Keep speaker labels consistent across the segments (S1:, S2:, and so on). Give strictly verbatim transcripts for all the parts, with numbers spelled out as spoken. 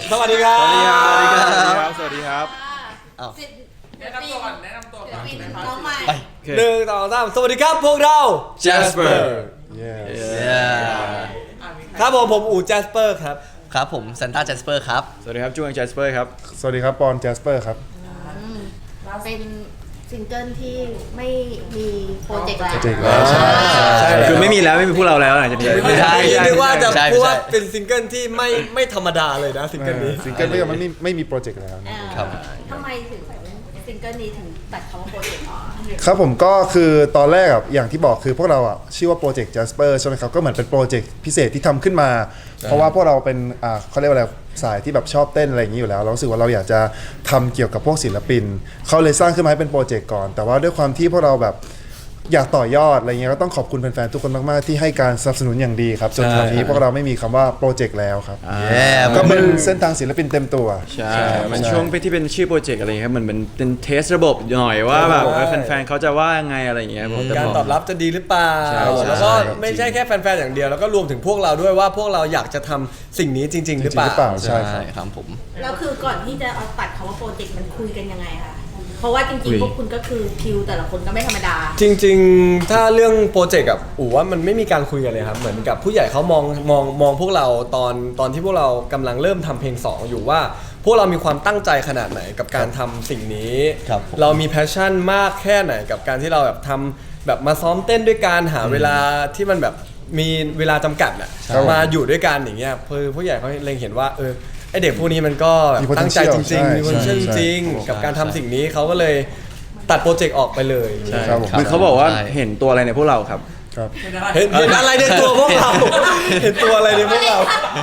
S1: สวัสดีครับ
S2: สวัสดีครับ สวัสดีครับ
S3: แนะนำตัวก่อนแนะนำตัวก่อน
S4: น้องใหม่
S1: หนึ่งสองสามสวัสดีครับพวกเรา
S2: Jasper
S5: Yeah
S1: ครับผมผมอู๋ Jasper ครับ
S5: ครับผมซันต้าแจสเปอร์ครับ
S2: สวัสดีครับจูง Jasper ครับ
S6: สวัสดีครับปอนแจสเปอร์ครับ
S4: เป็นซิงเกิลที่ไม่มีโปรเจกต์แล้ว
S6: โปรเจกต์แล้วใช่
S1: ใช่
S2: คือไม่มีแล้วไม่มีพวกเราแล้วหลังจากนี้
S5: ไม่ใช่
S1: เรียกว่าจะ
S5: ใช่ไม่ใช่
S1: พูดว่าเป็นซิงเกิลที่ไม่ไม่ธรรมดาเลยนะซิงเกิลนี้
S6: ซิงเกิลไม่มันไม่ไม่มีโปรเจกต์แล้วนะ
S5: ครับ
S4: ทำไมถึงซิงเกิลนี้ถึงตัดคำว่าโปรเจกต์ออก
S6: ครับผมก็คือตอนแรกอ่ะอย่างที่บอกคือพวกเราอ่ะชื่อว่าโปรเจกต์ Jasper ใช่ไหมครับก็เหมือนเป็นโปรเจกต์พิเศษที่ทำขึ้นมา เพราะว่าพวกเราเป็นอ่าเขาเรียกว่าอะไรสายที่แบบชอบเต้นอะไรอย่างนี้อยู่แล้วเรารู้สึกว่าเราอยากจะทำเกี่ยวกับพวกศิลปินเขาเลยสร้างขึ้นมาให้เป็นโปรเจกต์ก่อนแต่ว่าด้วยความที่พวกเราแบบอยากต่อยอดอะไรเงี้ยก็ต้องขอบคุณแฟนๆทุกคนมากๆที่ให้การสนับสนุนอย่างดีครับจนตอนนี้พวกเราไม่มีคำว่าโปรเจกต์แล้วครับ
S5: แย่
S6: ก็เป็นเส้นทางศิลปินเต็มตัว
S2: ใช่ มันช่วงที่เป็นชื่อโปรเจกต์อะไรครับเหมือนเป็นเป็นเทสระบบหน่อยว่าแบบแฟนๆเขาจะว่ายังไงอะไรอย่างเงี้ยผมแต่
S1: การ
S2: พ
S1: ตอบรับจะดีหรือเปล่า
S2: ใช่
S1: แล้วก็
S6: ใช่
S1: ไม่ใช่แค่แฟนๆอย่างเดียวแล้วก็รวมถึงพวกเราด้วยว่าพวกเราอยากจะทำสิ่งนี้จริง ๆ หรือเป
S6: จริงหรือเป
S1: ล่า
S6: ล่า ใช่ครับ
S5: ครับผม
S4: แล้วคือก่อนที่จะเอาตัดคำว่าโปรเจกต์มันคุยกันยังไงคะเพราะว่าจ
S2: คุ
S4: ริง
S2: ย
S4: ๆพวกคุณก็คือคิวแต่ละคนก็ไม่ธรรมดา
S1: จริงๆ ถ้าเรื่องโปรเจกต์กับอู๋ว่ามันไม่มีการคุยกันเลยครับเหมือนกับผู้ใหญ่เขามองมองมองพวกเราตอนตอนที่พวกเรากำลังเริ่มทำเพลงสองอยู่ว่าพวกเรามีความตั้งใจขนาดไหนกับการทำสิ่งนี้
S5: ครับผม
S1: เรามีแพชชั่นมากแค่ไหนกับการที่เราแบบทำแบบมาซ้อมเต้นด้วยการหาเวลาที่มันแบบมีเวลาจำกัดอะ
S6: ครับ
S1: มาอยู่ด้วยกันอย่างเงี้ยคือผู้ใหญ่เขาเล็งเห็นว่าเออไอเด็กพวกนี้มันก็แบบ
S6: มี potential
S1: ตั้งใจจริง
S6: ใช่
S1: ๆมี potential
S6: ใช่
S1: จริงๆกับการทำสิ่งนี้เขาก็เลยตัดโปรเจกต์ออกไปเลย
S2: ใช่
S6: ครับผม
S2: คือเขาบอกว่า
S5: ใช่
S2: เห็นตัวอะไรในพวกเราครับ
S6: ครับ
S1: เห็นเห็นอะไรในตัวพวกเรา เห็นตัวอะไรในพวกเรา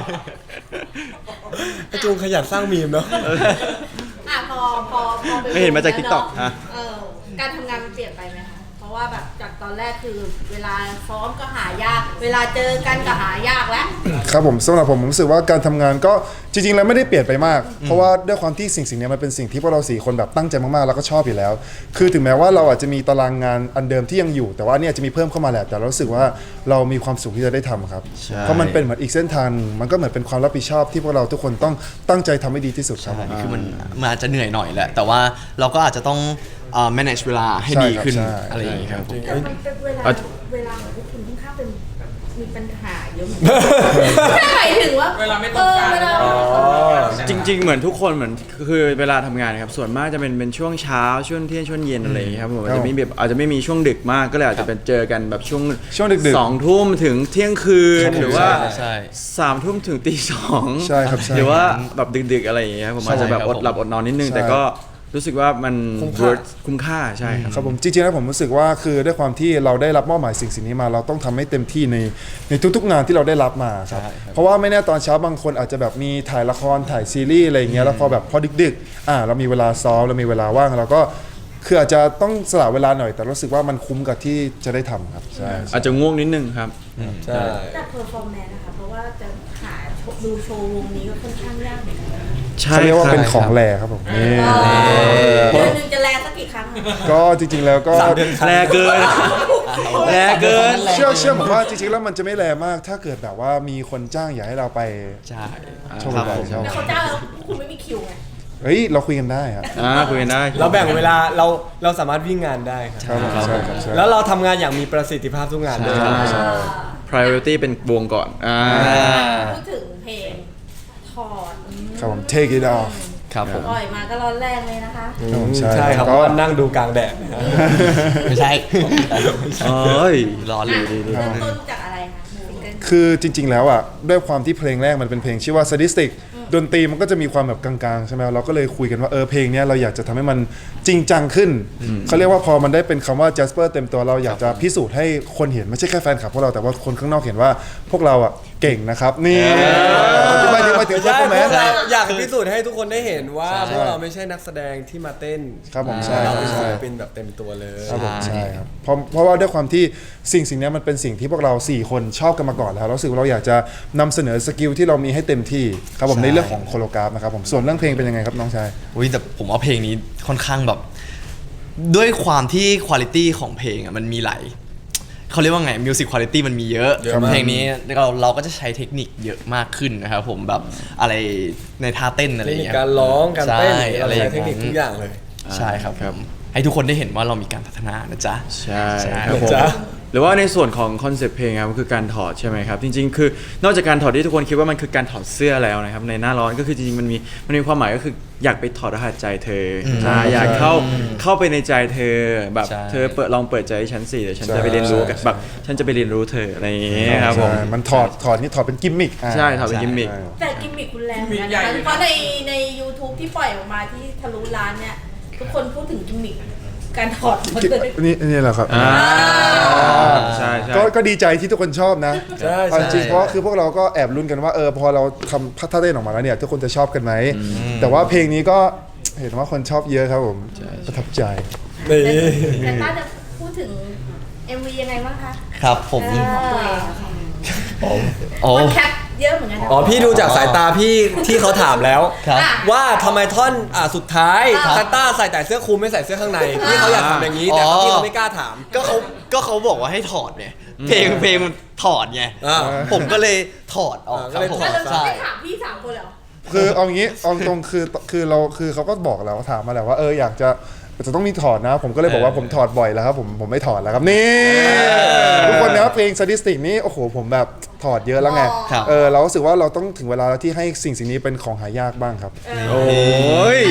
S1: ไอจูงขยันสร้างมีมเนาะ
S4: อ่ะพอพอพอป
S2: ไม่เห็นมาจาก
S4: แล้ว
S2: TikTok
S4: เน
S2: ฮะ
S4: เออการทำงานมันเปลี่ยนไปไหมคะเพราะว่าแบบจากตอนแรกคือเวลาซ้อมก็หายาก เวลาเจอกันก็หายากแล้ว
S6: ครับผมสำหรับผมผมรู้สึกว่าการทำงานก็จริงๆแล้วไม่ได้เปลี่ยนไปมาก เพราะว่าด้วยความที่สิ่งสิ่งนี้มันเป็นสิ่งที่พวกเราสี่คนแบบตั้งใจมากๆแล้วก็ชอบอยู่แล้ว คือถึงแม้ว่าเราอาจจะมีตารางงานอันเดิมที่ยังอยู่ แต่ว่าเนี่ยจะมีเพิ่มเข้ามาแหละแต่เรารู้สึกว่าเรามีความสุขที่จะได้ทำครับเพราะมันเป็นเหมือนอีกเส้นทางหนึ่งมันก็เหมือนเป็นความรับผิดชอบที่พวกเราทุกคนต้องตั้งใจทำให้ดีที่สุดครับผม
S5: คือมันมันอาจจะเหนื่อยหน่อยแหละ แต่ว่าเราก็อาจจะต้องเอ่อ manage เวลาให้
S6: ใช่
S5: ดี
S6: ครับ
S5: ขึ้น
S6: ใช่
S5: อะไรอย่างงี้ครับผม
S4: แต่มันเป็นเวลา
S2: เอา
S4: เวลาของพวกคุณค่อนข้างเป็นแบบมีปัญหาเยอะเหมือนกันหมายถึงว่า
S3: เวลาไม่ตรงกัน
S4: เออเวลา
S1: อ๋อ
S2: จริง ๆ เหมือนทุกคนเหมือนคือเวลาทำงานครับส่วนมากจะเป็นเป็นช่วงเช้าช่วงเที่ยงช่วงเย็นอะไรอย่างเงี้ยครับผมอาจจะไม่แบบอาจจะไม่มีช่วงดึกมากก็เลยอาจจะเป็นเจอกันแบบช่วง
S6: ช่วงดึกๆ
S2: สองทุ่มถึงเที่ยงคืน
S6: ครับผม
S2: หรือว่า
S5: ใช่ใช่
S2: สามทุ่มถึงตีสอง
S6: ใช่ครับใช่
S2: หรือว่าแบบดึกๆอะไรอย่างเงี้ยครับผมอาจจะแบบ
S5: ใช่
S2: อ
S5: ครับ
S2: ดหลับอดนอนนิดนึง
S6: ใช่
S2: แต่ก็รู้สึกว่ามัน
S1: คุ้มค่า
S2: worth คุ้มค่าใช่ครับ
S6: ครับผมจริงๆแล้วผมรู้สึกว่าคือด้วยความที่เราได้รับมอบหมายสิ่งสิ่งนี้มาเราต้องทำให้เต็มที่ในในทุกๆงานที่เราได้รับมาครับ
S5: ใช่ครับ
S6: เพราะว่าไม่แน่ตอนเช้าบางคนอาจจะแบบมีถ่ายละครถ่ายซีรีส์อะไรอย่างเงี้ยแล้วพอแบบพอดึกๆอ่าเรามีเวลาซ้อมเรามีเวลาว่างเราก็คืออาจจะต้องสละเวลาหน่อย แต่รู้สึกว่ามันคุ้มกับที่จะได้ทำครับใช่
S2: อาจจะง่วงนิดนึงครับ
S1: ใช่
S4: แต่เพอร์ฟอร์แมนซ์นะคะเพราะว่าจะหาดูโชว์วงนี้ก็ค่อนข้างยากเหมือนกันนะ
S2: ใช่
S6: เขาเรียกว่า
S2: ครับ
S6: เป็นของแรครับผมนี่
S4: เดือนหนึงจะแลสักกี่ครั้งอะ
S6: ก็จริงๆแล้วก็
S1: สามเดือน
S2: แรงเกินแรงเกิน
S6: เชื่อเชื่อผมว่าจริงๆแล้วมันจะไม่แรงมาก ถ้าเกิดแบบว่ามีคนจ้างอยากให้เราไป
S5: ใช่
S6: โชว์บ่อยๆใช่
S4: แล้วเขาจ้างแล้วคุณไม่มีคิวไง
S6: เฮ้ยเราคุยกันได้ครับ
S2: อ่าคุยกันได้
S1: เราแบ่งเวลาเราเราสามารถวิ่งงานได้ครับ
S6: ครับผมใช่ครับใช่
S1: แล้วเราทำงานอย่างมีประสิทธิภาพทุกงานด้วย
S2: ใช่ priority เป็นวงก่อนอ่า
S4: พูดถึงเพลงถอด
S6: ครับผม take it off
S5: ครับผม
S4: ปล่อยมาก็ร้อนแรงเลยนะคะ
S6: ครับผม
S1: ใช่ครับเพ
S6: ก็
S1: ราะว่านั่งดูกลางแดดนะฮะ
S5: ไม่ใช่
S2: เอ้ย
S5: ร้อนเลย
S4: เริ่มต้นจากอะไรคะซิงเกิล
S6: คือจริง ๆ แล้วอ่ะด้วยความที่เพลงแรกมันเป็นเพลงชื่อว่า sadistic ดนตรีมันก็จะมีความแบบกลางๆใช่ไหมเราก็เลยคุยกันว่าเออเพลงเนี้ยเราอยากจะทำให้มันจริงจังขึ้นเขาเรียกว่าพอมันได้เป็นคำว่า Jasper เต็มตัวเราอยากจะพิสูจน์ให้คนเห็นไม่ใช่แค่แฟนคลับพวกเราแต่ว่าคนข้างนอกเห็นว่าพวกเราอ่ะเก่งนะครับนี่ที่ไปถึงไปถึง
S1: ใช่
S6: ใช่ไหม
S1: พวกเราอยากพิสูจน์ให้ทุกคนได้เห็นว่าพวกเราไม่ใช่นักแสดงที่มาเต้น
S6: ครับผมใช่
S1: เราเป็น
S6: ใช่
S1: ศิลปินแบบเต็มตัวเลย
S6: ครับผมใช่ครับเพราะเพราะว่าด้วยความที่สิ่งสิ่งนี้มันเป็นสิ่งที่พวกเราสี่คนชอบกันมาก่อนแล้วเรารู้สึกว่าเราอยากจะนำเสนอสกิลที่เรามีให้เต็มที่ครับผม
S5: ใช่
S6: ในเรื่องของโคโรกราฟนะครับผมส่วนเรื่องเพลงเป็นยังไงครับน้องชาย
S5: อุ้ยแต่ผมว่าเพลงนี้ค่อนข้างแบบ ด้วยความที่คุณภาพของเพลงอ่ะมันมีหลายเขาเรียกว่าไงมิวสิกคุณภาพมันมีเยอะ
S1: เยอะมาก
S5: เพลงนี้เราเราก็จะใช้เทคนิคเยอะมากขึ้นนะครับผมแบบอะไรในท่าเต้นอะไร
S1: เท
S5: อ
S1: ค
S5: ย่าง
S1: นิค
S5: เงี้ย
S1: การร้องการเต้น
S5: ใช่
S1: อะไร
S5: อย่าง
S1: เทคนิคทุกอย่างเลย
S5: ใช่ครับผมให้ทุกคนได้เห็นว่าเรามีการพัฒนานะจ๊ะ
S2: ใช่
S5: ใช่
S2: ครับผม
S1: จ๊ะ
S2: หรือว่าในส่วนของคอนเซปต์เพลงครับคือการถอดใช่ไหมครับจริงๆ คือนอกจากการถอดที่ทุกคนคิดว่ามันคือการถอดเสื้อแล้วนะครับในหน้าร้อนก็คือจริงๆมันมีมันมีความหมายก็คืออยากไปถอดรหัสใจเธออใช่อยากเข้าเข้าไปในใจเธอแบบ
S5: ใช่
S2: เธอเปิดลองเปิดใจให้ฉันสิเดี๋ยวฉัน
S6: ใช่
S2: จะไปเรียนรู้กับ
S6: ใช่
S2: แบบฉันจะไปเรียนรู้เธออะไรอย่างเงี้ยครับผม
S6: ใช่มันถอดถอดนี่ถอดเป็นกิมมิคอ่า
S2: ใช่ถอดเป็นกิมมิค
S6: ใช่
S4: แต่กิมมิคคุณแรงเหมือนกันนะคะเพราะในใน YouTube ที่ปล่อยออกมาที่ทะลุล้านเนี่ย ทุกคนพูดถึงกิมมิคการถอดหมดเลย
S6: นี่นี่แหละครับ
S2: อ่าใช่ใช่
S6: ก็ก็ดีใจที่ทุกคนชอบนะ
S1: ใช่
S6: เอาจริง
S5: ใช่
S6: เพราะคือพวกเราก็แอบลุ้นกันว่าเออพอเราทำท่าเต้นออกมาแล้วเนี่ย ทุกคนจะชอบกันไหม แต่ว่าเพลงนี้ก็เห็นว่าคนชอบเยอะครับผมประทับใจ
S1: นี่
S4: แต่ต้าจะพูดถึง เอ็ม วี ยังไงบ้างคะ
S5: ครับผม
S4: ของตัวเอง
S5: โอ้
S4: คนแคปเยอะเหมือนกันนะ
S1: อ๋อพี่ดูจากสายตาพี่ที่เขาถามแล้ว
S5: ครับ
S4: อ่ะ
S1: ว่าทำไมท่อนอ่าสุดท้าย
S4: ครับ
S1: ซานต้าใส่แต่เสื้อคลุมไม่ใส่เสื้อข้างในพี่เขาอยากทำอย่างนี้แต่
S5: อ๋อ
S1: พี่เขาไม่กล้าถาม
S5: ก็เขาก็เขาบอกว่าให้ถอดเนี่ยเพลงเพลงมันถอดไง
S1: อ่า
S5: ผมก็เลยถอดออก
S1: อ่า
S5: ครับผม
S1: ก็เลยถอด
S4: แล้วเรา
S5: ใช่
S4: ไม่ถามพี่สามคนเลยเหรอ
S6: คือเอางี้เอาตรงคือคือเราคือเขาก็บอกแล้วถามมาแล้วว่าเอออยากจะจะต้องมีถอดนะ ผมก็เลยบอกว่าผมถอดบ่อยแล้วครับผมผมไม่ถอดแล้วครับนี่ทุกคนนะเพลงสถิตินี้โอ้โหผมแบบถอดเยอะแล้วไง
S5: ครับ
S6: เออเรารู้สึกว่าเราต้องถึงเวลาแล้วที่ให้สิ่งสิ่งนี้เป็นของหายากบ้างครับ
S2: โอ้ย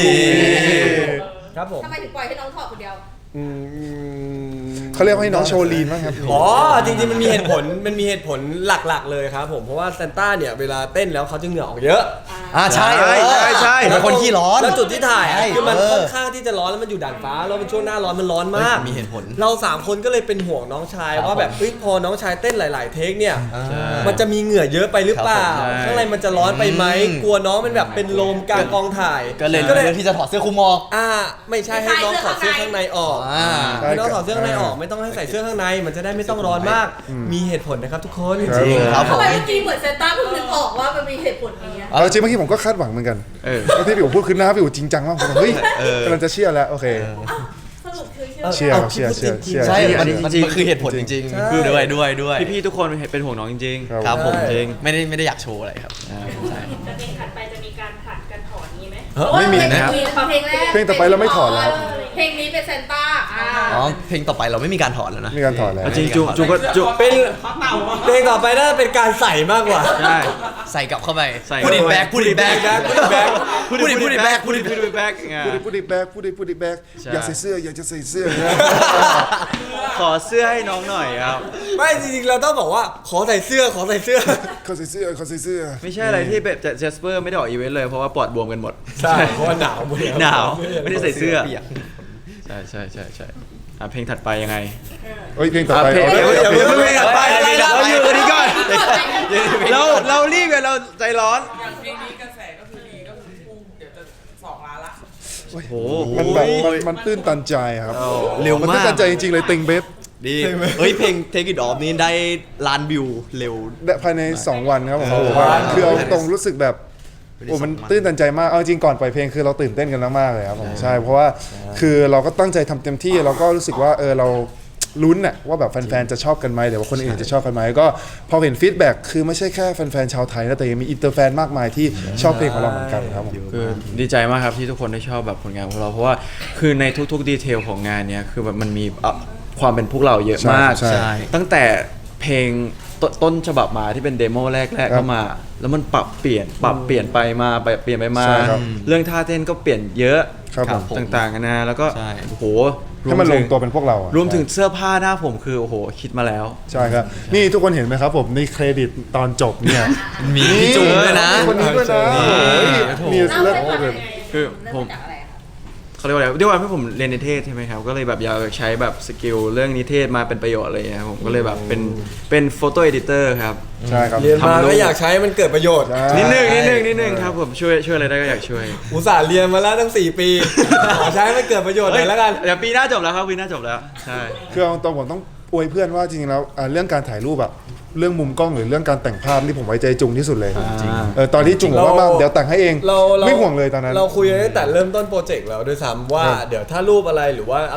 S1: ครับผม
S4: ทำไมถึงปล่อยให้น้องถอดคนเดียว
S1: อืม
S6: เขาเรียกว่าให้น้องโชว์ลีนบ้างครับ
S1: อ๋อจริงๆมันมีเหตุผลมันมีเหตุผลหลักๆเลยครับผมเพราะว่าซานต้าเนี่ยเวลาเต้นแล้วเขาจะเหงื่อออกเยอะ
S5: อ่าใช่
S2: ใช่ใช่ใช่
S5: เป็นคนขี้ร้อน
S1: แล้วจุดที่ถ่ายอะ
S5: ใช่
S1: คือมัน
S5: เออ
S1: ค่อนข้างที่จะร้อนแล้วมันอยู่ด่านฟ้าแล้วเป็นช่วงหน้าร้อนมันร้อนมาก
S5: เฮ้ยมีเหตุผล
S1: เราสามคนก็เลยเป็นห่วงน้องชาย
S5: ครับ
S1: ว่าแบบ
S5: ผม
S1: เอ้ยพอน้องชายเต้นหลาย ๆ เทคเนี่ย
S5: อ่า
S1: มันจะมีเหงื่อเยอะไปหรือเปล่า
S2: ครับผมใช่
S1: ข้างในมันจะร้อนไปไหม
S5: อืม
S1: กลัวน้องมันแบบเป็นลมกลางกองถ่าย
S5: ก็เลย
S1: ก็เลย
S5: เลือกที่จะถอดเสื้อคลุมออก
S1: อ่าไม่ใช่ให้น้องถอดเสื้อข้างในออก
S5: อ่า
S1: ให้น้องถอดเสื้อข้างในออกไม่ต้องให้ใส่เสื้อข้างในมันจะได้ไม่ต้องร้อนมาก มีเหตุผลนะครับทุกคน
S6: ครับ
S5: จริงครับผ
S4: ทำ
S5: ม
S4: ไมเมื่อกี้เหมือนเซนต้าเพิ่งนึกออกว่ามันมีเหตุผลนี้อะ
S6: เอาจริงเมื่อกี้ผมก็คาดหวังเหมือนกัน
S2: เออ
S6: แล้วที่พี่อู๋พูดคือหน้าพี่อู๋จริงจังมากผมแบบเฮ้ย
S5: เออ
S6: กำลังจะเชื่อแล้วโอเค
S4: อ้าวสรุปคือเชื่อ
S6: เชื่อ
S1: เอา
S6: เชื่อ
S1: คิด
S6: เชื่อ
S1: ว่า
S6: เชื่อ
S5: ใช่
S2: อั
S5: มัน
S2: นนี้
S5: มัน
S2: จริง
S5: มันคือเหตุผลจริง
S1: ใช่
S5: ๆคือด้วยด้วยด้วย
S2: พี่ๆทุกคนเป็นห่วงน้องจริงๆ
S6: ครับ
S5: ครับผม
S2: จริง
S5: ไม่ได้ไม่ได้อยากโชว์อะไรครับ
S2: อ่า
S5: ใช่
S7: แต่เพลงถัดไปจะมีการผลัดกันถอนนี้ไหม
S1: เฮ้ย
S6: ไม่มี
S4: เพลง
S6: นะครับ
S4: เพลงแรก
S6: เพลงต่อไปเราไม่ถอดแล้ว
S4: เพลงนี้เป็นเซนต้าอ่า
S5: อ๋อเพลงต่อไปเราไม่มีการถอดแล้วนะ
S6: มีการถอดแล้ว
S2: เอาจริงจุจุก็จุ
S1: เป็นเพลงต่อไปน่าจะเป็นการใส่มากกว่า
S2: ใช่
S5: ใส่กลับเข้าไป
S2: ใส่
S5: พูดอิน
S2: เข้าไป
S5: แบ็กพูดอินแบ็ก
S1: Put it back
S5: พูดอินพูดอินแบ็กพูดอิน
S2: พูดอินแบ็ก
S6: พูดดิพูดดิแบกพูดดิพูดดิแบก
S2: ใช่
S6: อยากใส่เสื้ออยากจะใส่เสื้อ
S2: ขอเสื้อให้น้องหน่อยครับ
S1: ไม่จริงๆเราต้องบอกว่าขอใส่เสื้อขอใส่เสื้อ
S6: เขาใส่เสื้อเขาใส่เสื้อ
S2: ไม่ใช่อะไรที่แบบเจสเปอร์ไม่ได้ออกอีเวนต์เลยเพราะว่าปอดบวมกันหมด
S1: ใช่เพราะว่าหนาวหมดแล้ว
S2: หนาวไม่ได้ใส่เสื้อ
S5: เปียก
S2: ใช่ใช่ใช่ใช่อ่ะเพลงถัดไปยังไง
S6: เฮ้ยเพลงต่อไป
S2: อ่ะเพลง
S6: เอา
S2: เดี๋ยว
S6: เอา
S2: เดี๋ยว
S6: เอา
S2: เพลงถัดไป
S5: อะไรนะ
S2: เราอยู่กันนี้ก่อนเราเรารีบกันเราใจร้อน
S3: อย่างเพลงนี้กระแสก็คือดีก็คือพุ่งเดี๋ยวจะสองล้านละ
S2: โอ้โห
S6: มันแบบมันมันตื้นตันใจครับ
S5: เร็ว
S6: มัน
S5: มา
S6: ตื้น
S5: ก
S6: ตันใจจริงๆเลยติงเบฟ
S5: ดีเฮ้ยเพลง Take It Off นี้ได้ล้านวิวเร็ว
S6: ภายใน สอง วันครับผม
S5: เออ
S6: ผมว่าคือเอาตรงรู้สึกแบบโอ้มันตื้นตันใจมากเอาจริงก่อนปล่อยเพลงคือเราตื่นเต้นกันมากๆเลยครับผมใช่เพราะว่าคือเราก็ตั้งใจทำเต็มที่เราก็รู้สึกว่าเออเราลุ้นน่ะว่าแบบแฟนๆจะชอบกันไหมหรือว่าคนอื่นจะชอบกันไหมก็พอเห็นฟีดแบ็กคือไม่ใช่แค่แฟนๆชาวไทยนะแต่ยังมีอินเตอร์แฟนมากมายที่ชอบเพลงของเราเหมือนกันครับผม
S2: คือดีใจมากครับที่ทุกคนได้ชอบแบบผลงานของเราเพราะว่าคือในทุกๆดีเทลของงานเนี้ยคือแบบมันมีเอ่อความเป็นพวกเราเยอะมาก
S6: ใช่ใช่
S2: ตั้งแต่เพลงตต้นฉบับมาที่เป็นเดโมแรกๆ
S6: ครั
S2: เข้า
S6: บ
S2: มา แล้วมันปรับเปลี่ยนปรับเปลี่ยนไปมาไปเปลี่ยนไปมา
S6: ใช่ครับ
S2: เรื่องท่าเต้นก็เปลี่ยนเยอะ
S6: ครับผม
S2: ต่างๆกันานะแล้วก็
S5: ใช่
S2: โอ้โห
S6: ให้มันล
S2: รว
S6: ง
S2: ถึ
S6: ตัวเป็นพวกเราอะ
S2: รวมถึงเสื้อผ้าหน้าผมคือโอ้โหคิดมาแล้ว
S6: ใช่ครับ นี่ทุกคนเห็นไหมครับผมในเครดิตตอนจบเนี่ย
S5: มีพี่จูนด้วยนะ
S6: คนนี้ด้วยนะโอ้ยมี
S4: เล่า
S6: เลิ
S4: ให้
S6: ศ
S4: ฟัง
S6: เล
S4: ยั
S6: ย
S4: งไง
S2: คือ
S4: เริ่
S2: ผม
S4: มจากอะไรคะ
S2: เขาเรียกว่าอะไรด้วยความที่ผมเรียนนิเทศใช่ไหมครับ ก็เลยแบบอยากใช้แบบสกิลเรื่องนิเทศมาเป็นประโยชน์อะไรอย่างเงี้ยครับผมก็เลยแบบเป็นเป็นโฟโต้เอดิเตอร์ครับ
S6: ใช่ครับ
S1: เรียนมา
S2: ทำรูป
S1: ก็อยากใช้มันเกิดประโยชน์
S6: ใช่
S2: นิดนึงนิดนึงนิดนึงครับผมช่วยช่วยอะไรได้ก็อยากช่วย
S1: อุตส่าห์เรียนมาแล้วตั้งสี่ปี ขอใช้ให้มันเกิดประโยชน์หน่อยแล้วกัน
S2: เดี๋ยวปีหน้าจบแล้วครับปีหน้าจบแล้วใช่
S6: คือเอาตรงผมต้องอวยเพื่อนว่าจริงๆแล้วอ่าเรื่องการถ่ายรูปอะเรื่องมุมกล้องหรือเรื่องการแต่งภาพนี่ผมไว้ใจจุงที่สุดเลย
S2: จริง
S6: เออตอนที่จุงบอกว่า
S1: เรา
S6: มาเดี๋ยวแต่งให้เอง
S1: เราเรา
S6: ไม่ห่วงเลยตอนนั้น
S1: เราคุยกันตั้งแต่เริ่มต้นโปรเจกต์แล้วด้วยซ้ำว่า
S6: ครับ
S1: เดี๋ยวถ้ารูปอะไรหรือว่าอะไร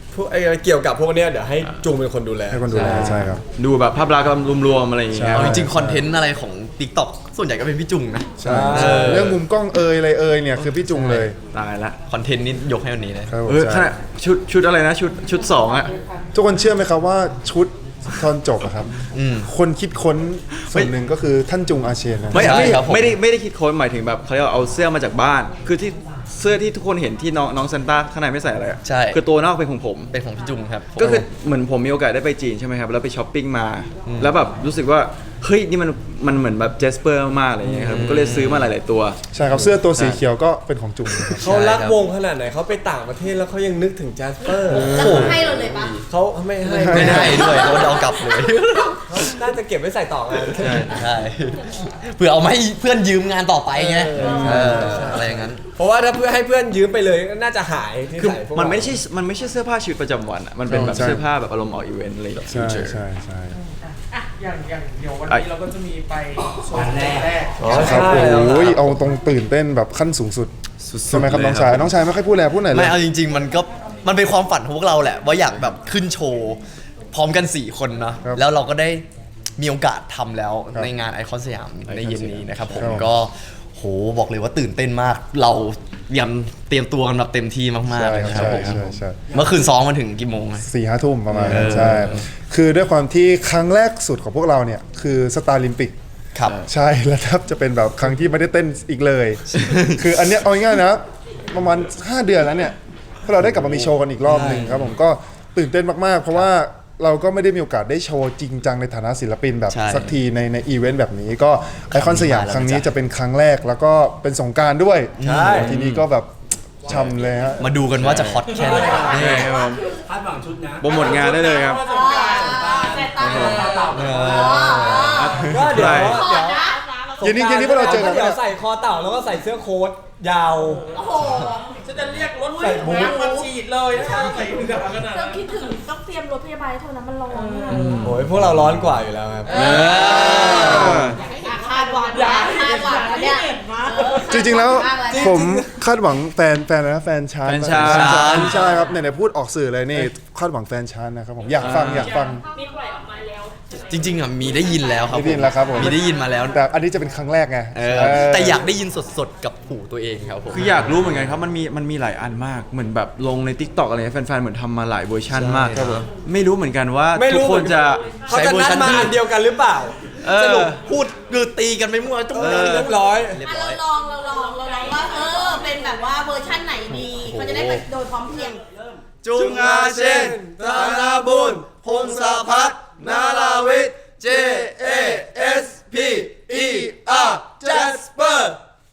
S1: พวกไอ้เกี่ยวกับพวกเนี้ยเดี๋ยวให้จุงเป็นคนดูแล
S6: ให้คนดูแลใช่ครับ
S2: ดูแบบภาพลักษณ์รวมๆอะไรอย่างเงี้ย
S5: เอาจริงๆคอนเทนต์อะไรของ TikTok ส่วนใหญ่ก็เป็นพี่จุงนะ
S6: ใช่
S1: ใช่
S6: เรื่องมุมกล้องเอยอะไรเอยเนี่ยคือพี่จุงเลย
S2: ตายละ
S5: คอนเทนต์นี้ยกให้วันนี้เลย
S6: ครับผม
S2: เออข
S6: ใช่
S2: นาดชุดชุดอะไรนะชุดชุดสองอะ
S6: ทุกคนเชื่อไหมครับว่าชุดตอนจบอะครับ
S5: อืม
S6: คนคิดค้นส่วนหนึ่งก็คือท่านจุงอาเชนนะ
S2: ไม่
S5: ใช่
S2: ไม่
S5: ครับผม
S2: ไม่ได้ไม่ได้คิดค้นหมายถึงแบบเขาเรียกว่าเอาเสื้อมาจากบ้าน คือที่เสื้อที่ทุกคนเห็นที่น้องน้องซันต้าข้างในไม่ใส่อะไรอะ
S5: ใช่
S2: คือตัวนอกเป็นของผม
S5: เป็นของพี่จุงครับ
S2: ก็คือเหมือนผมมีโอกาสได้ไปจีนใช่ไหมครับแล้วไปช้อปปิ้งมา แล้วแบบรู้สึกว่าเฮ้ยนี่มันมันเหมือนแบบเจสเปอร์มากๆอะไรอย่างเงี้ยครับก็เลยซื้อมาหลาย ๆ ตัว
S6: ใช่ครับเสื้อตัวสีเขียวก็เป็นของจุงนะครับ
S1: เขารักวงขนาดไหนเขาไปต่างประเทศแล้วเขายังนึกถึงแจสเปอร์
S4: แล้วเขาให้เราเลยปะ
S1: เขาไม่ให้
S5: ไม่ได้ด้วยเขาเอากลับเลย
S1: เขาน่าจะเก็บไว้ใส่ต่องาน
S5: ใช่เพื่อเอามาให้เพื่อนยืมงานต่อไปไง
S1: เออ
S5: เอออะไรอย่างนั้น
S1: เพราะว่าถ้าเพื่อให้เพื่อนยืมไปเลยก็น่าจะหายที่
S2: คือ
S1: ใส่พวก
S2: มันไม่
S1: เรา
S2: ใช่มันไม่ใช่เสื้อผ้าชีวิตประจำวันอะมันเป็นแบบ
S6: ใช่
S2: เสื้อผ้าแบบอารมณ์ออกอีเวนต์อะไรอย่างเงี้ย
S6: ใช่ใช่ใช่
S3: อ่ะอย่างอย่างเดี๋ยววันนี้เราก็จะมีไปโชว์แรก
S1: อ๋อ
S6: ครับ
S1: ใช่แล้ว
S6: โอ้ยเอาตรงตื่นเต้นแบบขั้นสูงสุดใช่ไหมครับน้องชายน้องชายไม่ค่อยพูดแลพูดหน่อยเล
S5: ไม่
S6: ย
S5: เอาจริง ๆ มันก็มันเป็นความฝันของพวกเราแหละ ว่าอยากแบบขึ้นโชว์ พร้อมกัน สี่ คนเนาะ
S6: ครับ
S5: แล้วเราก็ได้มีโอกาสทำแล้ว
S6: ครับ
S5: ในงานไอคอนสยามในเย็นนี้นะครับผม
S6: ครับ
S5: ก็โหบอกเลยว่าตื่นเต้นมาก เรายำเตรียมตัวกันแบบเต็มที่มากๆ
S6: ใช่
S5: เลยนะครั
S6: ใช่
S5: บผม
S6: ใช่ใช่
S5: เมื่อคืนซ้อมมาถึงกี่โมงอะ
S6: สี่ห้าทุ่มประมาณนั้น
S5: เออ
S6: ใช่ คือด้วยความที่ครั้งแรกสุดของพวกเราเนี่ยคือสตาร์ลิมปิก
S5: ครับ
S6: ใช่แล้วแทบจะเป็นแบบครั้งที่ไม่ได้เต้นอีกเลย คืออันเนี้ยเอาง่ายๆนะ ประมาณ ห้า เดือนแล้วเนี่ยพวกเราได้กลับมามีโชว์กันอีกรอบหนึ่งครับผมก็ตื่นเต้นมากๆ เพราะว่าเราก็ไม่ได้มีโอกาสได้โชว์จริงจังในฐานะศิลปินแบบ
S5: ใช่
S6: สักทีในในอีเวนต์แบบนี้ก็ไอคอนสยาม
S5: ค
S6: ค
S5: รั้
S6: รั้
S5: ง
S6: ง
S5: นี้
S6: นี้
S5: มาแล้ว
S6: จะเป็นครั้งแรกแล้วก็เป็นสงกรารด้วย
S1: ใช่
S6: ทีนี้ก็แบบช่ำเลยฮะ
S5: มาดูกันว่าจะฮอตแค่ไหนนี่
S2: ครับผม
S3: คาดหวังชุดนะ
S2: โปรโมทงานได้เลยครับ
S3: สงกรานต์
S4: แต่ตา
S3: เต่า
S5: เอ
S4: อ๋อ
S5: อ
S1: ก็เดี๋ยว
S2: ได้
S1: เดี๋ยว
S6: เย็นนี้เย็นนี้พวกเราเจอกัน
S1: เดี๋ยวใส่คอเต่าแล้วก็ใส่เสื้อโค้ทยาว
S4: โอ้โห
S3: ฉันจะเรียกรถ
S1: ใส่บูท
S3: น้ำมาฉีดเลยถ้าใส่ถุงดำขนาด
S4: ต้อ
S3: นั้
S4: ง
S3: น
S4: คิดถึงต้องเตรียมรถพยาบาลเท่านั้นมันร้อนอะ
S1: โอ้ยพวกเราร้อนกว่าอยู่แล้วครับ
S2: เออ
S4: อ่ะคาดหวังนะคาดหวังนะเนี่ยเออ
S6: จริงๆแล้ว
S4: คาดหงมากเลย
S6: ผมคาดหวังแฟนแฟนอะไรนะแฟนชาน
S2: แฟนชาน
S6: แฟใช่ครับเนี่ยๆพูดออกสื่อเลยนี่คาดหวังแฟนชานนะครับผมอยากฟังอยากฟัง
S7: มีปล่อยออกมาแล้วใช่ไหม
S5: จริงๆอ่ะมีได้ยินแล้วครับ
S6: ได้ยินแล้วครับผม
S5: มีได้ยินมาแล้ว
S6: แต่อันนี้จะเป็นครั้งแรกไง
S5: เออแต่อยากได้ยินสดๆกับหูตัวเองครับผม
S2: คืออยากรู้เหมือนกันครับมันมีมันมีหลายอันมากเหมือนแบบลงใน TikTok อะไรเงี้ยแฟนๆเหมือนทำมาหลายเวอร์ชันมาก
S5: ครับผม
S2: ไม่รู้เหมือนกันว่า
S1: ไม่
S2: ทุ
S1: รู้
S2: กคนจะ
S1: เขาจะนัดมาอันเดียวกันหรือเปล่า
S2: เออ
S5: สรุปพูดคือตีกันไปมั่วจุ้ง
S1: เรียบร้อย
S5: เรียบ
S4: อ่ะ
S5: ร้อย
S4: เราลองเราลองเราลองว่าเออเป็นแบบว่าเวอร์ชั่นไหนดีเขาจะได้ไปโดยพร้อมเพรียง
S5: จุงอาเชนธนาบุญพงศพัฒน์นาลาวิทย์ J A S P E R Jasper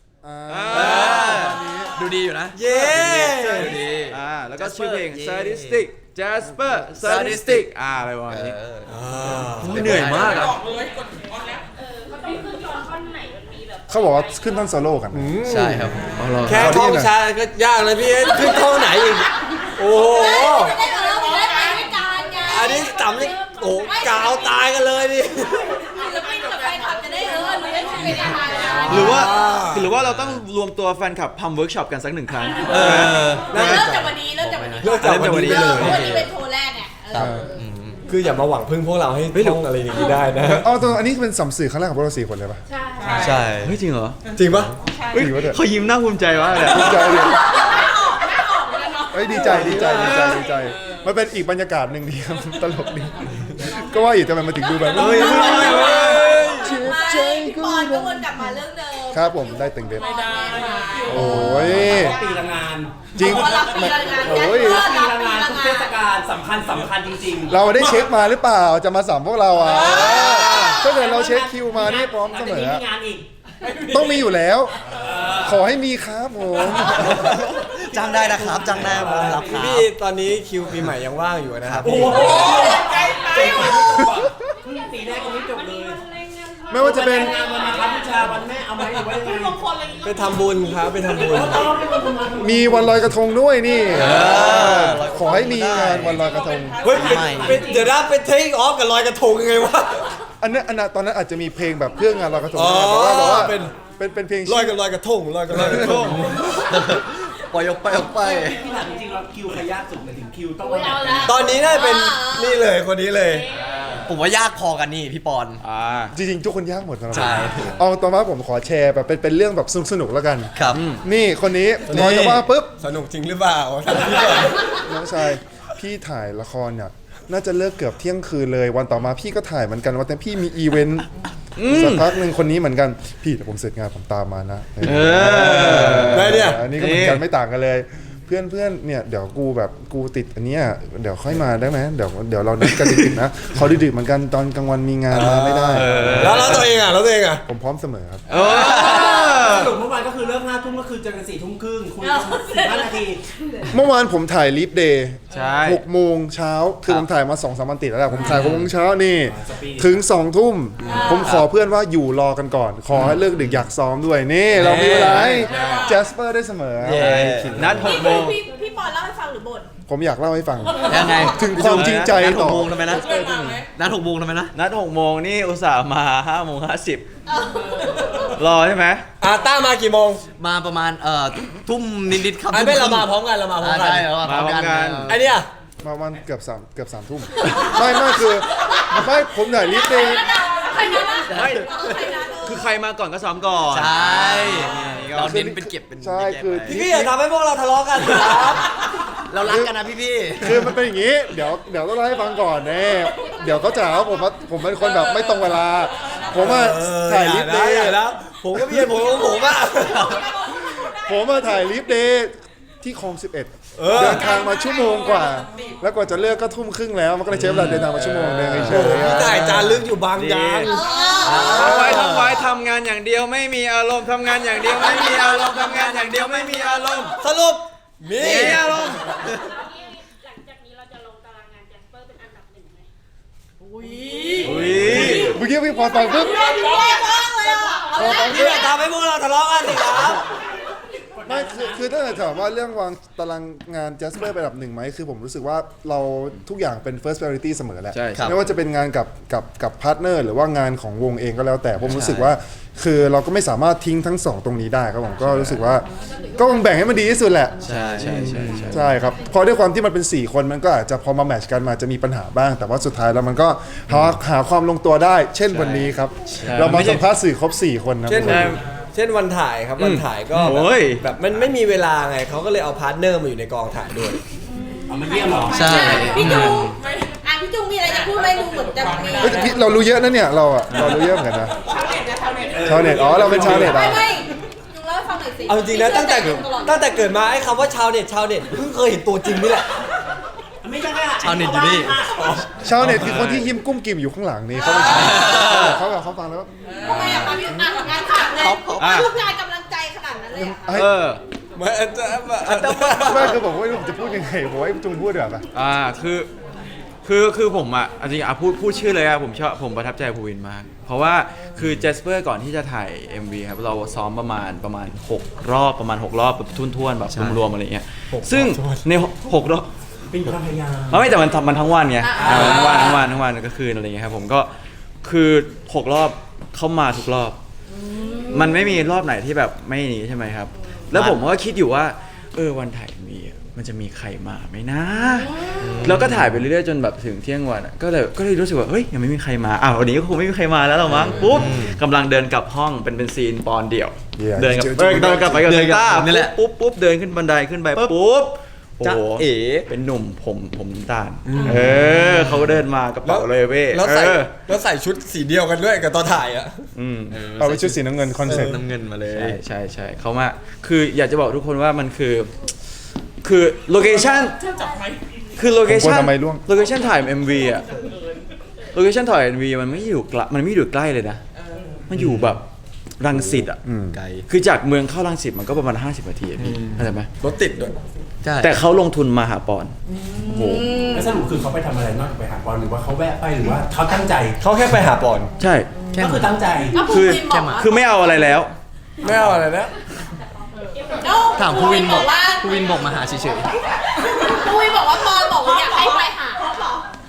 S5: ดูดีอยู่นะ
S1: เย้
S5: ดูดี
S2: อ่าแล้วก็
S5: Jasper
S2: ชื่อเพลง
S5: เย้
S2: Sadistic Jasper Sadistic อ่าอะไรประมาณนี้
S5: เออ
S2: เหนื่อยมากอะ
S3: บอกเลยกดออนแล้ว
S7: เออเขาต้องขึ้นตอนท่อนไหนมันมีแบบ
S6: เขาบอกว่าขึ้นท่อนโซโล่กัน
S5: ใช่ครับ
S1: แค่ท่องช้าก็ยากเลยพี่ขึ้นท่องไหนอีก โอ้โห
S4: จะได้เออจะได้ไปด้วยกันไง
S1: อันนี้ต่ำนี่โอ้โหกาวตายกันเลยดิ
S4: ศิลปินกับแฟนคลับจะได้เออรู้ได้เป็นยังไงนะ
S2: หรือว่าหรือว่าเราต้องรวมตัวแฟนคลับทำเวิร์กช็อปกันสักหนึ่งครั้ง
S5: เออ
S4: เริ่มจากวันนี้เริ่มจากวันนี้
S1: เลิกจากวันนี้ไป
S4: เริ่
S1: เล
S4: ม
S1: ย
S4: วันนี้เป็นโชว์แรกไงเออ
S1: คืออย่ามาหวังพึ่งพวกเราให้ท่องอะไรอย่างนี้ได้นะ
S6: อ๋อตัวอันนี้เป็นสัมสื่อครั้งแรกของพวกเราสี่คนเลยปะ
S4: ใช่
S5: ใช่
S2: เฮ้ยจริงเหรอ
S1: จริงปะ
S2: เฮ้ย
S6: จริงปะเนี่ย
S2: เขายิ้มน่าภูมิใจมากเลย
S6: ดีใจดิ
S4: ไม่ออกไม่ออกแล้วเนาะ
S6: เฮ้ยดีใจดีใจดีใจดีใจมันเป็นอีกบรรยากาศหนึ่งดีครับ ตลกดีก็ว่าอยู่ทำไมมาถึงดูแบบเฮ้ย
S4: ไม่พี่ปอนก็วนกลับมาเรื่องเดิม
S6: ครับผมได้เต็งเด็ด
S4: ไม่ได้
S6: โอ้ย
S3: ปีละงาน
S6: จริง
S4: เพราะรับปีละงาน
S6: โอ้ย
S4: ยัด
S3: ปี
S4: เลิศรับ
S3: ละ
S4: ปี
S3: งาน
S4: ละ
S3: ทุก
S4: งา
S3: เท
S4: น
S3: ศกาลสำคัญสำคัญจริงๆ
S6: เราได้เช็คมาหรือเปล่าจะมาสัมพวกเราอ่ะถ้าเกิดเราเช็คคิวมานี่พร้อมเสมอ
S3: มีงานอีก
S6: ต้องมีอยู่แล้ว ขอให้มีครับผม
S5: จ้างได้นะครับจ้างได้ผมรับครับ
S1: พี่ตอนนี้คิวปีใหม่ยังว่างอยู่นะครับ
S3: โอ้โหใจไปสีแรกตรงนี้จบเลย
S6: ไม่ว่าจะเป็น
S3: งานวันมาครับวิชาวันแม่เอาไหมหรือว่ายังไง
S1: ไปทำบุญครับไปทำบุญ
S6: มีวันลอยกระทงด้วยนี่ขอให้มีงานวันลอยกระทง
S1: เฮ้ยเป็นเป็นเดี๋ยวนะไปเทคออฟกับลอยกระทงยังไงวะ
S6: อันนั้นอันนั้นตอนนั้นอาจจะมีเพลงแบบเพื่องานลอยกระทง
S1: อ๋อ
S6: แต่ว่าแต่ว่า
S1: เป็น
S6: เป็นเป็นเพลง
S1: ลอยกับลอยกระทงลอยกับลอยกระทง
S5: ปล่อยออกไปออกไป
S3: พี่ถามจริงๆเราคิวใครยากสุดหมายถึงคิวต้อง
S4: อุ๊ยเอาละ
S1: ตอนนี้น่าจะเป็นนี่เลยคนนี้เลย
S5: ผมว่ายากพอกันนี่พี่ปอน
S2: อ่า
S6: จริงๆทุกคนยากหมดสำหรับ
S5: ใช่
S6: ผมเอาตอนว่าผมขอแชร์แบบเป็นเป็นเรื่องแบบสนุกๆแล้วกัน
S5: ครับ
S6: นี่คนนี้พอจะว่าปุ๊บ
S1: สนุกจริงหรือเปล่าถามพี่ก่อน
S6: น้องชายพี่ถ่ายละครเนี่ยน่าจะเลิกเกือบเที่ยงคืนเลยวันต่อมาพี่ก็ถ่ายเหมือนกันว่าแต่พี่มีอีเวนต์สักพักหนึ่งคนนี้เหมือนกันพี่แต่ผมเสร็จงานผมตามมานะ
S2: เออ
S1: ได้เนี่ย
S6: อันนี้ก็เหมือนกันไม่ต่างกันเลย เพื่อนเพื่อนเนี่ยเดี๋ยวกูแบบกูติดอันเนี้ยเดี๋ยวค่อยมาได้ไหมเดี๋ยวเดี๋ยวเรานัดกันดึกๆนะเขาดึกๆเหมือนกันตอนกลางวันมีงานมาไม่ได้
S1: แล้วแล้วตัวเองอ่ะแล้วตัวเองอ่ะ
S6: ผมพร้อมเสมอครับ
S2: เออ
S3: สรุปเมื่อวานก็คือเลิกห้าทุ่มก็คือเจอกันสี่ทุ่มครึ่งคุยกันสิบห้านาที
S6: เมื่อวานผมถ่ายลิฟเดย์
S2: ใช่
S6: หกโมงเช้าคือผมถ่ายมาสองสามวันติดแล้วแหละผมถ่ายหกโมงเช้านี่
S3: สปีด
S6: ถึงสองทุ่มผมขอเพื่อนว่าอยู่รอกันก่อน ขอให้เลิกดึกอยากซ้อมด้วยนี่เรามีเวลาให้แจสเปอร์ได้เสมอ
S5: เย้
S2: นัดหกโมง
S4: พี่พี่ปอนเล่าให้ฟังหรือบ่น
S6: ผมอยากเล่าให้ฟัง
S5: ยังไง
S6: ถึงความจริงใจ
S5: นัดห
S6: ต่
S5: ก
S6: อ
S5: โมงทำไมนะนัดหกโมงทำไมนะ
S2: นัดหกโมงนี่อุตส่าห์มาห้าโมงห้าสิบรอใช่ไหม
S1: อาต้ามากี่โมง
S5: มาประมาณเอ่อทุ่มนิดๆครับ
S1: ไอ้ไม่เรามาพร้อมกันเรามาพร้อมกัน
S5: ใช่เรามาพร้อมกัน
S2: มาพร้อมกัน
S1: ไอเนี่ย
S6: มาวันเกือบสามเกือบสามทุ่มไม่ไม่คือไม่ผมถ่ายลิฟเดย์
S4: ใครนะ
S2: ไม่
S4: ใครนะ
S2: คือใครมาก่อนก็ซ้อมก่อน
S5: ใช่เราเน้นเป็นเก็บเป็น
S6: ใช่คือ
S1: พี่พี่อย่าทำให้พวกเราทะเลาะกันครับ
S5: เรารักกันนะพี่พี่
S6: คือมันเป็นอย่างนี้ เดี๋ยวเดี๋ยวต้องเล่าให้ฟังก่อนแน่เดี๋ยวเขาจะหาว่าผมว่าผมเป็นคนแบบไม่ตรงเวลา ผมว่าถ่ายลิฟเดย์
S1: แล้วผมก็มีเหตุผลของผมอ่ะ
S6: ผมมาถ่ายลิฟเดย์ที่คลองสิบเอ็ดเดินทางมาชั่วโมงกว่า แล้วกว่าจะเลิกก็ทุ่มครึ่งแล้วมันก็เลยใช้เวลาเดินทางมาชั่วโมงนึงเฉยๆ
S1: พี่ถ่ายจานลึกอยู่บางยาง
S2: ทั้งไว้ทั้งไว้ทำงานอย่างเดียวไม่มีอารมณ์ทำงานอย่างเดียวไม่มีอารมณ์ทำงานอย่างเดียวไม่มีอารมณ์
S1: สรุปมี
S2: มีอารมณ์
S7: หลังจากนี้เราจะลงตารางงานแจสเปอร์เป็นอันดับหนึ่งไหม
S2: อุ้ย
S6: เมื่อกี้พี่พอฟังปุ๊บ
S1: พี่อย่าทำให้พวกเราทะเลาะกันสิครับ
S6: ไม่คือคือถ้าเกิดถามว่าเรื่องวางตารางงานแจสเปอร์เป็นอันดับหนึ่งไหมคือผมรู้สึกว่าเราทุกอย่างเป็น first priority เสมอแหละ
S2: ใช่ครับ
S6: ไม่ว่าจะเป็นงานกับกับกับพาร์ทเนอร์หรือว่างานของวงเองก็แล้วแต่ผมรู้สึกว่า คือเราก็ไม่สามารถทิ้งทั้งสองตรงนี้ได้ครับผมก็รู้สึกว่าก็ต้องแบ่งให้มันดีที่สุดแหละ
S2: ใช่ใช่ใช่ใช่
S6: ใช่ครับเพราะด้วยความที่มันเป็นสี่คนมันก็อาจจะพอมาแมทช์กันมาจะมีปัญหาบ้าง แต่ว่าสุดท้ายแล้วมันก็หาหาความลงตัวได้ เช่นวันนี้ครับ เรามาสัมภาษณ์สื่อครบสี่คนนะ
S1: เช่น
S6: ผม
S1: เช่นวันถ่ายครับวันถ่ายก็แบบ
S2: โอ้ย
S1: แบบมันไม่มีเวลาไงเขาก็เลยเอาพาร์ทเนอร์มาอยู่ในกองถ่ายด้วย
S3: เอามาเยี่ยมเหรอ
S5: ใช่
S4: พี่จุงอ่ะพี่จุงมีอะไรจะพูดไหมดูเหมือนจะมี
S6: เฮ้ยแต่พี่เรารู้เยอะนะเนี่ยเราอะเรารู้เยอะเหมือนกันนะชาวเน็ตอ๋อเราเป็นชาวเน็ต
S4: ไม่
S6: อ่ะ
S4: ไม่จุงเล่าให้ฟังหน่อยสิ
S1: เอาจริงนะตั้งแต่
S4: พี่เชื่อใจจุงตลอด
S1: ตั้งแต่เกิดมาไอ้คำว่าชาวเน็ตชาวเน็ตเพิ่งเคยเห็นตัวจริงนี่แหละ
S3: ไม่ใช่แค่
S5: ชาวเน็ตอยู่นี่
S6: ชาวเน็ตคือคนที่ยิ้มกุ้มกิ่มอยู่ข้างหลังนี่เขาเป็นชาวเน็ตเขาแบบเขาฟังแล้ว
S4: ทำไมอ่ะคะพี่อ่ะงานขาดเลย
S2: อ่ะ
S4: ลูกชายกำลังใจขนาดนั้นเลยเหรอคะ
S2: เออ
S1: เหมือนจะ
S6: ไม่คือผมไม่รู้ผมจะพูดยังไงผมให้จุงพูดเดี๋ยวา
S2: อ่าคือคือคือผมอ่ะจริงๆอ่ะพูดพูดชื่อเลยอ่ะผมชอบผมประทับใจภูวินมาก เพราะว่าคือเจสเปอร์ก่อนที่จะถ่าย เอ็ม วี ครับเราซ้อมประมาณประมาณหกรอบประมาณหกรอบแบบทุ่นๆแบบรวมๆอะไรเงี้ยซึ่งในหกรอบ
S3: เป็นความพยายาม
S2: ไม่แต่มันทำมันทั้งวันไงอ่าทั้งวันทั้งวันทั้งวันก็คืนอะไรเงี้ยครับผมก็คือหกรอบเข้ามาทุกรอบ มันไม่มีรอบไหนที่แบบไม่นี้ใช่ไหมครับ แล้วผมก็คิดอยู่ว่า เออวันถ่ายมีอ่ะมันจะมีใครมาไหมนะ แล้วก็ถ่ายไปเรื่อยๆจนแบบถึงเที่ยงวันอ่ะก็เลยก็เลยรู้สึกว่าเฮ้ยยังไม่มีใครมาอ้าววันนี้ก็คงไม่มีใครมาแล้วหรอมั้งปุ๊บกำลังเดินกลับห้องเป็นเป็นซีนปอนเดี่ยว
S6: Yeah
S2: เดินกลับ
S6: เจอ
S2: เออเดินกลับไปกับ
S5: เดิ
S2: เซ
S5: นกับ
S2: ต้า
S5: นี่แหละ
S2: ปุ๊บปุ๊บเดินขึ้นบันไดขึ้นไปปุ๊บโอ้
S5: จ๊ะ
S2: โห
S5: เอ๋
S2: เป็นหนุ่มผมผมน้ำตาลเออเขาเดินมากระเป๋าเลยเว้ย
S1: แล้วใส่
S2: เออ
S1: แล้วใส่ชุดสีเดียวกันด้วยกับตอนถ่ายอ่ะ
S2: อืม
S6: เอาไปชุดสีน้ำเงินคอนเซ็ปต์
S5: น้ำเงินมาเลย
S2: ใช่ใช่ใช่เขามาคืออยากจะบอกทุกคนว่ามันคือ คือโลเคชั่นคือโลเคชั่น
S6: ผมกลัวทำไมร่วง
S2: โลเคชั่นถ่าย เอ็ม วี อะโลเคชั่นถ่าย เอ็ม วี มันไม่อยู่ไกลมันไม่อยู่ใกล้เลยนะ มันอยู่แบบรังสิตอะ
S5: ไกล
S2: คือจากเมืองเข้ารังสิตมันก็ประมาณห้าสิบนาทีอะพี่เข้าใจไหม
S1: รถติดด้วย
S5: ใช่
S2: แต่เขาลงทุนมาหาปอนโอ้โห
S3: แล้วสรุปคือเขาไปทำอะไรนอกจากไปหาบอลหรือว่าเขาแวะไปหรือว่าเขาตั้งใจ
S1: เขาแค่ไปหาปอน
S2: ใช่
S3: ก็คือตั้งใจ
S4: ก็ภู
S2: คือ
S4: วินบอกว่า
S2: คือไม่เอาอะไรแล้ว
S1: ไม่เอาอะไรนะ
S5: ถามภูวินบอก
S4: ว่า
S5: ภูวินบอกมาหาเฉย
S4: ภูวินบอกว่าปอนบอกว่าอยากให้ไปหาเขาเหรอ
S5: ๆ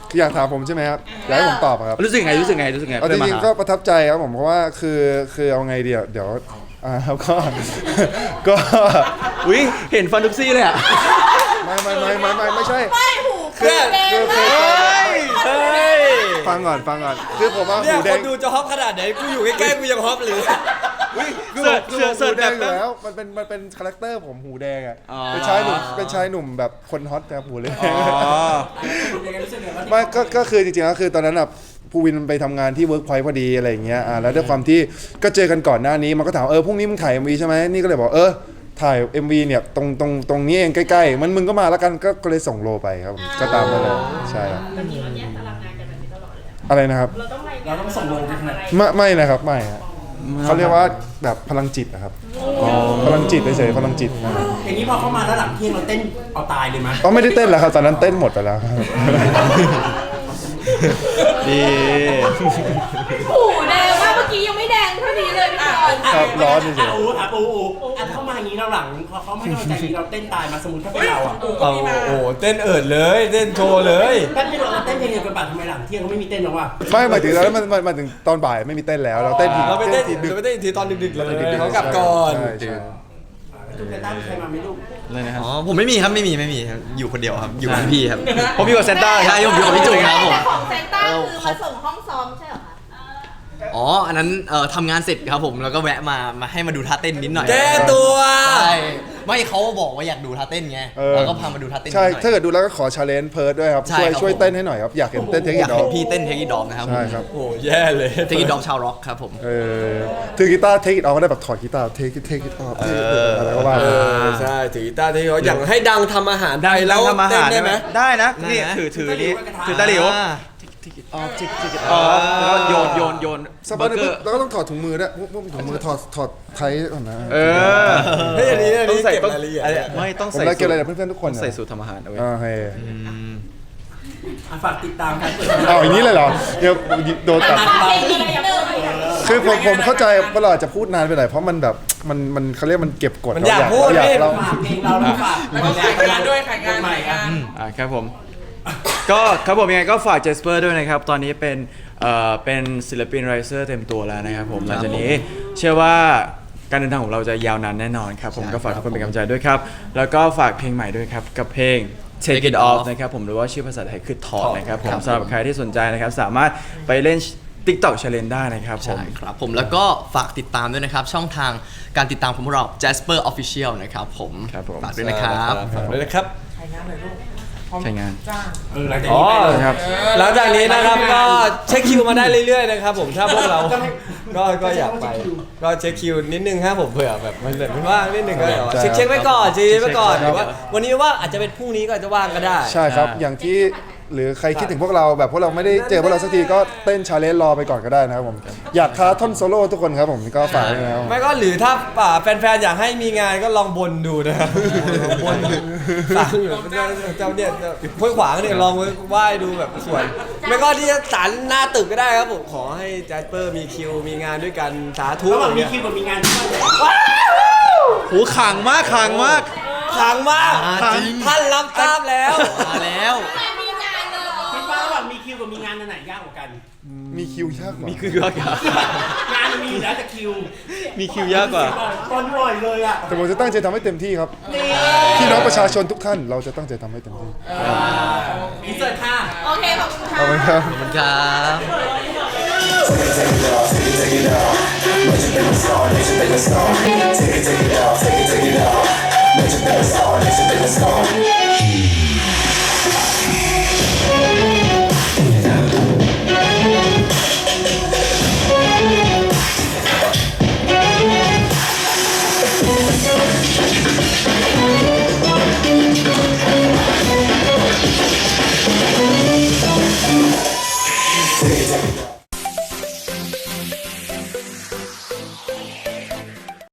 S6: อยากถามผมใช่ไหมครับอยากให้ผมตอบอะครับ
S2: รู้สึกไงรู้สึกไงรู้สึกไง
S6: เอาจริงๆก็ประทับใจครับผมเพราะว่าคือคือเอาไงเดียวเดี๋ยวอ่าครับก็ ก็
S2: อุ้ยเห็นฟันทุกซี่เลยอ่ะ
S6: ไม่ไม่ไม่ไม่ไม่ไม่ใช่
S4: ไม่หู
S6: คือ
S4: แดง
S6: คือ
S4: มา
S6: คือก
S1: เฮ้ย
S6: ฟังก่อนฟังก่อนคือผมว่า
S1: เนี่ย
S6: หูแด
S1: ค
S6: ง
S1: นดูจะฮอปขนาดไหนกูอยู่ใกล้ๆกูยังฮอปเลย
S6: คือ
S2: เสิ
S6: ผม
S2: ร์ช
S6: คือ
S2: เสิร์ช
S6: ผมหูแดงอ
S2: เสิร์ชแบบ
S6: ยู่แล้วมันเป็นมันเป็นคาแรคเตอร์ผมหูแดงอ่ะ
S2: อ๋อ
S6: เป็นชายหนุ่มเป็นชายหนุ่มแบบคนฮอตนะครับหูเลย
S2: อ๋อ
S3: ยังไงรู้สึกไงว่า
S6: ไม่ก็ก็คือจริงๆแล้วคือตอนนั้นอ่ะภูวินไปทำงานที่เวิร์กพอยต์พอดีอะไรอย่างเงี้ยอ่าแล้วด้วยความที่ก็เจอกันก่อนหน้านี้มันก็ถามเออพรุ่งนี้มึงถ่าย เอ็ม วี ใช่ไหมนี่ก็เลยบอกเออถ่าย เอ็ม วี เนี่ยตรงตรงตรงนี้เองใกล้ๆมันมึงก็มาแล้วกันก็ก็เลยส่งโลไปครับผมก็ตามนั้นเลยใช่ครับ
S7: ปกติเราแยกตารางงานกันแบบนี้ตลอดเลยอะ
S6: อะไรนะครับ
S7: เราต้องรายงาน
S3: เราต้องส่งลงไปขนาดไหน
S6: ไม่ไม่นะครับไม่ฮะเขาเรียกว่าแบบพลังจิตนะครับพลังจิตเฉยๆพลังจิตนะ
S3: อย่างนี้พอเข้ามาแล้วหลังเที่ยงเราเต้นเอาตายเลยมั้ย
S6: ก็ไม่ได้เต้นแล้วครับตอนนั้นเต้นหมดไปแล้วครับ
S2: ดี
S4: หูแดงมากเมื่อกี้ยังไม่แดงเท่านี้เลยพี่บอล
S6: ครับร้อนเฉยๆ
S3: อ่ะอูอ่ะปูอูอ่ะเข้ามาอย่างนี้เราหลังพอเขาไม่เข้าใจอย่างนี้เราเต้นตายมาสมมติถ้าเป็นเราอ่ะ
S1: เอาโอ้เต้นเอิดเลยเต้นโชว์เลย
S3: แป๊บนึงเราเต้นเพลงเดียวกันป่ะทำไมหลังเที่ยงเขาไม่มีเต้นหรอวะ
S6: ไม่หมายถึงแล้วมันมันมันถึงตอนบ่ายไม่มีเต้นแล้วเราเต้นที
S1: เราไปเต้น
S6: ทีดึก
S1: เราไปเต้นอีกทีตอนดึกๆเลย
S6: ดึกๆ
S1: เขากลับก่อน
S6: ใช่ใช่
S3: จุ๊บแต่ตั้งใครมาไม่รู้
S2: เลยนะครับ
S5: อ๋อผมไม่มีครับไม่มีไม่มีครับอยู่คนเดียวครับอยู่กับพี่ครับ
S2: ผมอยู่กับเซนต้า
S5: ใช่ผมอยู่กับพี่จุ๋ยครับผม
S4: แต่ของเซนต้าคือมาส่งห้องซ้อมใช่เหรอคะ
S5: อ๋ออันนั้นเอ่อทำงานเสร็จครับผมแล้วก็แวะมามาให้มาดูท่าเต้นนิดหน่อย
S1: แก้ตัว
S5: ใช่ไม่เขาบอกว่าอยากดูท่าเต้นไง
S6: เออ
S5: แล้วก็พามาดูท่าเต้นนิด
S6: ใช่
S5: หน่อย
S6: ถ้าเกิดดูแล้วก็ขอชาเลนจ์เพิร์ดด้วยครับ
S5: ใช่
S6: ช่วย
S5: ครับ
S6: ช่วย
S5: ผม
S6: เต้นให้หน่อยครับอยากเห็นเต้นเทค
S5: อ
S6: นิ
S5: ยาก
S6: คดอ
S5: เห็
S6: ก
S5: นพี่เต้นเทคนิคดอมนะครับ
S6: ใช่ครับ
S1: โอ้แย่เลย
S5: เทคนิคดอมชาวร็อกครับผม
S6: เออถือกีตาร์เทคอิทออฟก็ได้แบบถอดกีตาร์เทคเทคอิทออฟอะไรก็ว่า
S1: เอ
S6: ไป
S1: อใช่ถือกีตาร์ที่เขาอย่างให้ดังทำอาหารได้
S2: แล้
S1: แล้ว ว
S2: ทำอาหาร
S1: เต้นได้ไหม
S2: ได้นะ
S5: ได้
S2: นี่
S5: นะ
S2: ถือถือนี่ถือตะหลิว
S5: อ่า
S2: ออฟจิกจิกออฟแล้วก็โยนโยนโยน
S6: สัก
S2: เบ
S6: พั
S2: อก ร์
S6: หนึ
S2: เก
S6: ง
S2: อร์
S6: แล้วก็ต้องถอดถุงมือด้วยพวกพวกถุงมือถอดถอดไทยก่อนนะ
S2: เออ
S1: เฮ้ยอันนี้อัน
S2: ต้อ
S1: นี้
S2: งใส่
S1: เก็บ
S2: ต้อง
S1: รายละเอียด
S2: อะไรไม่ต้อง
S6: ผม
S2: ใส่
S6: ได้เกี่ยวอะไร
S2: สู
S6: กับ
S2: ตร
S6: เพื่อนๆทุกค
S2: ต้อน ง
S6: นะ
S2: ใส่สูตรทำอาหารเอาไว้
S6: อ่าเฮ้ย
S3: อ่ะฝากติดตามการเปิด
S6: เอาอย่างนี้เลยเหรอเดี๋ยวโดนตัด
S4: เพลงนี้เดิม
S6: คือผมผมเข้าใจว่าเราอาจจะพูดนานไปหน่อยเพราะมันแบบมันมันเขาเรียกมันเก็บกด
S1: มันอยากพูด
S6: อยาก
S1: พี่
S6: เรา
S3: ฝากเพลงเราแล้วฝาก
S8: แล้วก็ขายงานด้วยขายงาน
S3: ใหม่ครับ
S2: อ่าครับผม ก็ครับผมยังไงก็ฝากเจสเปอร์ด้วยนะครับ ตอนนี้เป็นเอ่อเป็นศิลปินไรเซอร์เต็มตัวแล้วนะครับผมหลังจากนี้เชื่อว่าการเดินทางของเราจะยาวนานแน่นอนครับผมก็ฝากทุกคนเป็นกำลังใจด้วยครับ แล้วก็ฝากเพลงใหม่ด้วยครับ กับเพลง Take It Off นะครับผมหรือว่าชื่อภาษาไทยคือถอดนะครับผมสำหรับใครที่สนใจนะครับ สามารถไปเล่น TikTok Challenge ได้นะครับผม
S5: ใช่ครับผมแล้วก็ฝากติดตามด้วยนะครับ ช่องทางการติดตามของพวกเรา Jasper Official นะครับผม
S2: ครับผม
S5: ฝากด้วยนะครับ
S1: ฝากด้วยนะครับ
S8: ขายงานเลยลูก
S2: ใช้งาน
S8: จ้าง
S3: เออหลังจาก
S1: อ๋อ
S3: นี้ไปเลย
S2: ครับ
S1: หลังจากนี้นะครับก็เช็คคิวมาได้เรื่อยๆนะครับผมถ้าพวกเราก็ก็อยากไปก็เช็คคิวนิดนึงครับผมเผื่อแบบมันแบบไม่ว่างนิดนึงก็เดี๋ยวเช็คเช็คไว้ก่อนเช็คไว้ก่อนหรือว่าวันนี้ว่าอาจจะเป็นพรุ่งนี้ก็อาจจะว่างก็ได้
S6: ใช่ครับ อย่างที่หรือใครคิดถึงพวกเราแบบพวกเราไม่ได้เจอพวกเราสักทีก็เต้นชาเลนจ์รอไปก่อนก็ได้นะครับผมอยากท้าท่อนโซโล่ทุกคนครับผมก็ฝากด้วยนะครับ
S1: ไม่ก็หรือถ้าป่าแฟนๆอยากให้มีงานก็ลองบนดูนะครับบนสั่งอยู่เจ้าเนี่ยห้วยขวางเนี่ยลองไหว้ดูแบบสวยไม่ก็ที่ศาลหน้าตึกก็ได้ครับผมขอให้แจสเปอร์มีคิวมีงานด้วยกันสาธุ
S3: ระหว่างมีคิวกับมีงานที่ไหน
S2: หูขังมากขังมาก
S1: ขังมาก
S5: อ่าจริง
S1: ท่านรับทราบแล้ว
S5: มาแล้ว
S4: มีงานเลย
S3: คิดว่าระหว่างมีคิวกับมีงานอันไหนยากกว่ากัน
S6: มีคิวยากกว่า
S2: มีคือยากกว่าง
S3: านมันมีอยู่แล้วแต่คิว
S2: มีคิวยากกว่า
S3: ตอนบ่อยเลยอ่ะ
S6: แต่ผมจะตั้งใจทำให้เต็มที่ครับพี่น้องประชาชนทุกท่านเราจะตั้งใจทำให้เต็มที่
S3: อินเสิร์ตค่ะ
S4: โอเคขอบคุณค่ะ
S6: ขอบคุณครับ
S5: ขอบคุณครับ
S9: Take it, take it out, take it, take it out. Let your best out, let your best out.